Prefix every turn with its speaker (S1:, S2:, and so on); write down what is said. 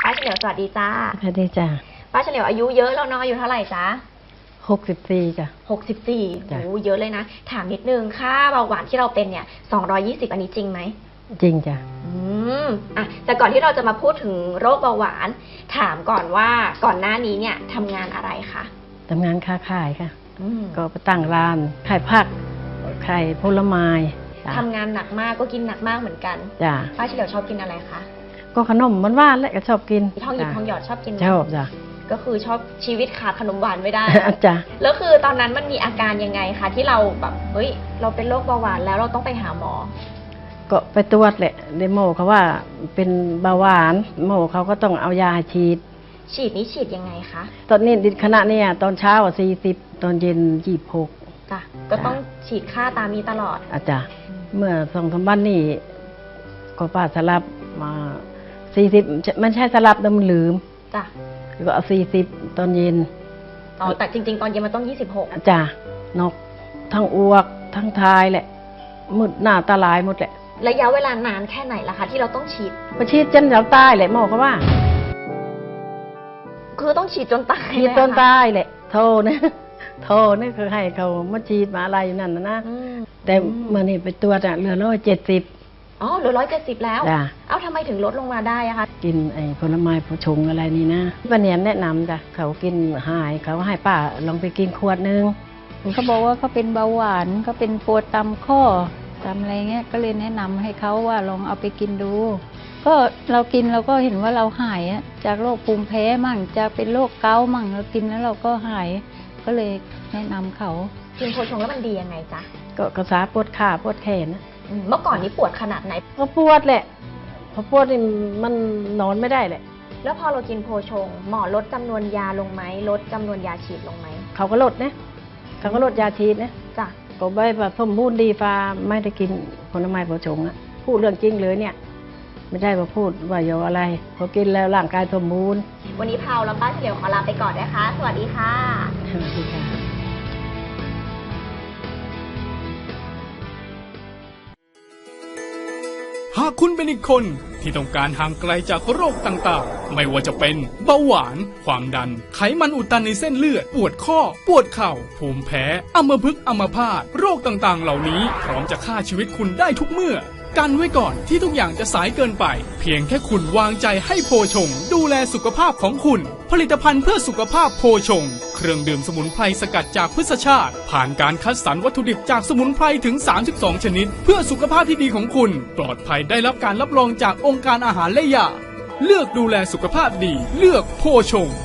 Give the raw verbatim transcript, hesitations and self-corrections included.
S1: ป้าเฉลียวสวัสดีจ้า
S2: สวัสดีจ้า
S1: ป้าเฉลียวอายุเยอะแล้วเนาะอายุเท่าไหร่จ้า
S2: หกสิบสี่จ้ะ
S1: หกสิบสี่โอ้เยอะเลยนะถามนิดนึงค่าเบาหวานที่เราเป็นเนี่ยสองร้อยยี่สิบอันนี้จริงไหม
S2: จริงจ้ะ
S1: อืมอ่ะแต่ก่อนที่เราจะมาพูดถึงโรคเบาหวานถามก่อนว่าก่อนหน้านี้เนี่ยทำงานอะไรคะ
S2: ทำงานค้าขายค่ะก็ไปตั้งร้านขายผักขายผลไม้
S1: ทำงานหนักมากก็กินหนักมากเหมือนกัน
S2: จ้ะ
S1: ป้าเฉลียวชอบกินอะไรคะ
S2: ก็ขนมมันว่านแหละก็ชอบกิน
S1: ทองหยิบทองหยอดชอบกินไหม
S2: ชอบจ้ะ
S1: ก็คือชอบชีวิตขาดขนมหวานไม่ได้
S2: จ้ะ
S1: แล้วคือตอนนั้นมันมีอาการยังไงคะที่เราแบบเฮ้ยเราเป็นโรคเบาหวานแล้วเราต้องไปหาหมอ
S2: ก็ไปตรวจแหละเดโมเขาว่าเป็นเบาหวานโมเขาก็ต้องเอายาฉีด
S1: ฉีดนี้ฉีดยังไงคะ
S2: ตอนนี้ดิขณะนี้ตอนเช้าสี่สิบตอนเย็นยี่สิบหก
S1: จ้ะก็ต้องฉีดค่าตามนี้ตลอด
S2: อาจารย์เมื่อสองสามวันนี้ก็ป้าสลับมาสี่สิบมันใช่สลับแต่มันลืม
S1: จ้ะ
S2: ก็เอาสี่สิบตอนเย็น
S1: อ๋อแต่จริงๆตอนเย็นมันต้องยี่สิบหก
S2: จ้ะนกทั้งอ้วกทั้งทายแหละมืดหน้าตาลายหมดแหละ
S1: ระยะเวลานานแค่ไหนล่ะคะที่เราต้องฉีด
S2: ไปฉีดจนเราตายแหละหมอเขาว่า
S1: คือต้องฉีดจนตาย
S2: ฉีดจนตายแหละโทษนะโทษนี่คือให้เขามาฉีดมาอะไรอยู่นั่นนะนะแต่เมื่อนี่ไปตรวจอะเหลือร้อยเจ็ดสิบ
S1: อ๋อเหลือร้อยเจ็ดสิบแล้วเอ้าทำไมถึงลดลงมาได้อะคะ
S2: กินไอ้ผลไม้ผลชงอะไรนี่นะป้าเนียนแนะนำจ้ะเขากินหายเขาให้ป้าลองไปกินขวดนึง
S3: เขาบอกว่าเขาเป็นเบาหวานเขาเป็นปวดตามข้อตามอะไรเงี้ยก็เลยแนะนำให้เขาว่าลองเอาไปกินดูก็เรากินเราก็เห็นว่าเราหายจากโรคภูมิแพ้มั่งจากเป็นโรคเกาต์มั่งเรากินแล้วเราก็หายก็เลยแนะนำเขา
S1: กินโพชงแล้วมันดียังไงจ๊ะ
S2: ก็กระสาปวดขาปวดแขนนะ
S1: เมื่อก่อนนี้ปวดขนาดไหน
S2: ก็ปวดแหละพอปวดนี่มันนอนไม่ได้แหละ
S1: แล้วพอเรากินโพชงหมอลดจำนวนยาลงไหมลดจำนวนยาฉีดลงไหม
S2: เขาก็ลดนะเขาก็ลดยาฉีดนะ
S1: จ้ะ
S2: ก็ใบแบบสมบูรณ์ดีฟ้าไม่ได้กินผลไม้โพชงอะพูดเรื่องจริงเลยเนี่ยไม่ใช่ว่าพูดว่าอย่าอะไรพอกินแล้วร่างกายสมบูรณ์
S1: วันนี้เผาแล้วป้าเฉลียวขอลาไปก่อนนะคะสวัสดีค่ะ
S2: สวัสดีค่ะ
S4: หากคุณเป็นอีกคนที่ต้องการห่างไกลจากโรคต่างๆไม่ว่าจะเป็นเบาหวานความดันไขมันอุดตันในเส้นเลือดปวดข้อปวดเข่าภูมิแพ้อัมพฤกษ์อัมพาตโรคต่างๆเหล่านี้พร้อมจะฆ่าชีวิตคุณได้ทุกเมื่อกันไว้ก่อนที่ทุกอย่างจะสายเกินไปเพียงแค่คุณวางใจให้โพชงดูแลสุขภาพของคุณผลิตภัณฑ์เพื่อสุขภาพโพชงเครื่องดื่มสมุนไพรสกัดจากพืชชาติผ่านการคัดสรรวัตถุดิบจากสมุนไพรถึงสามสิบสองชนิดเพื่อสุขภาพที่ดีของคุณปลอดภัยได้รับการรับรองจากองค์การอาหารและยาเลือกดูแลสุขภาพดีเลือกโพชง